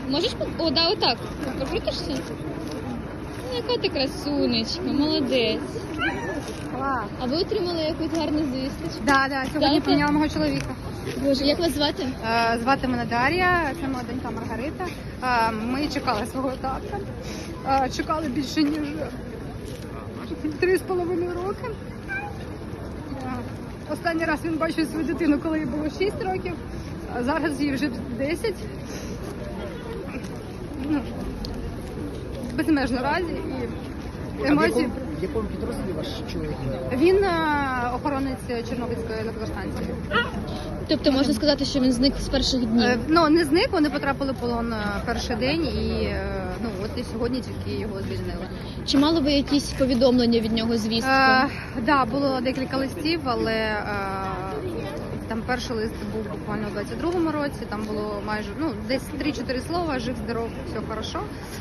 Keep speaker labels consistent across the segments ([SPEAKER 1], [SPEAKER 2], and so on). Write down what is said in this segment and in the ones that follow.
[SPEAKER 1] Можеш О, да, отак. Покрутишся? Ну, яка ти красунечка, молодець.
[SPEAKER 2] Клас.
[SPEAKER 1] А ви отримали якусь гарну звісточку?
[SPEAKER 2] Да, сьогодні поміняла мого чоловіка.
[SPEAKER 1] Боже, як вас звати?
[SPEAKER 2] Звати мене Дар'я, це моя донька Маргарита. Ми чекали свого татка. Чекали більше, ніж 3,5 роки. Останній раз він бачив свою дитину, коли їй було 6 років, а зараз їй вже 10. Ну, безмежно раді і емоції.
[SPEAKER 3] В якому підрозділі ваш чоловік?
[SPEAKER 2] Він охоронець Чорнобильської електростанції.
[SPEAKER 1] Тобто можна сказати, що він зник з перших днів?
[SPEAKER 2] Ну, не зник, вони потрапили в полон перший день і ну, от і сьогодні тільки його звільнили.
[SPEAKER 1] Чи мали ви якісь повідомлення від нього, звістку?
[SPEAKER 2] Да, було декілька листів, але там перший лист був буквально у 22-му році, там було майже десь 3-4 слова, жив, здоров, все хорошо.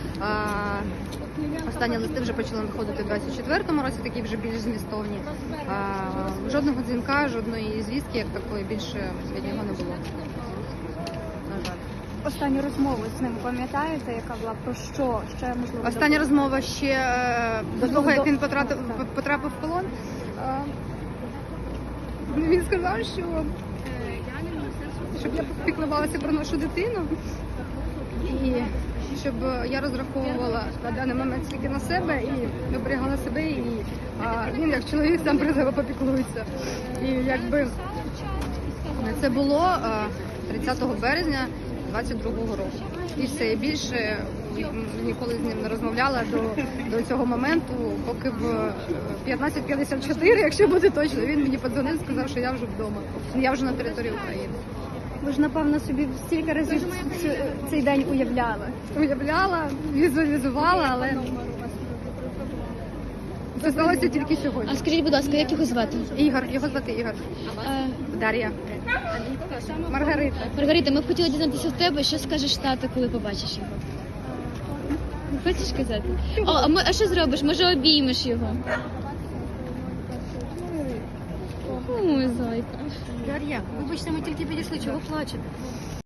[SPEAKER 2] Останні листи вже почали виходити у 24-му році, такі вже більш змістовні. Жодного дзвінка, жодної звістки, як такої, більше від нього не було. На жаль.
[SPEAKER 4] Останню розмову з ним пам'ятаєте, яка була про що? Ще можливо
[SPEAKER 2] Остання розмова ще до того, як він потрапив в полон. Він сказав, що щоб я піклувалася про нашу дитину і щоб я розраховувала на даний момент тільки на себе і оберігала себе, і він як чоловік сам про себе попіклується. І якби це було 30 березня 22-го року. І все, і більше ніколи з ним не розмовляла до цього моменту, поки в 15:54, якщо буде точно, він мені подзвонив, сказав, що я вже вдома, я вже на території України.
[SPEAKER 4] ви ж напевно собі стільки разів цей день уявляли.
[SPEAKER 2] Уявляла, візуалізувала, але це сталося тільки сьогодні.
[SPEAKER 1] А скажіть, будь ласка, як його звати?
[SPEAKER 2] Ігор, його звати Ігор. Дар'я. Маргарита.
[SPEAKER 1] Маргарита, ми б хотіли дізнатися в тебе, що скажеш тато, коли побачиш його? Хочеш казати? А що зробиш? Може, обіймеш його? Ой, зайка.
[SPEAKER 2] Дар'я, вибачте, ми тільки підійшли, чого плачете?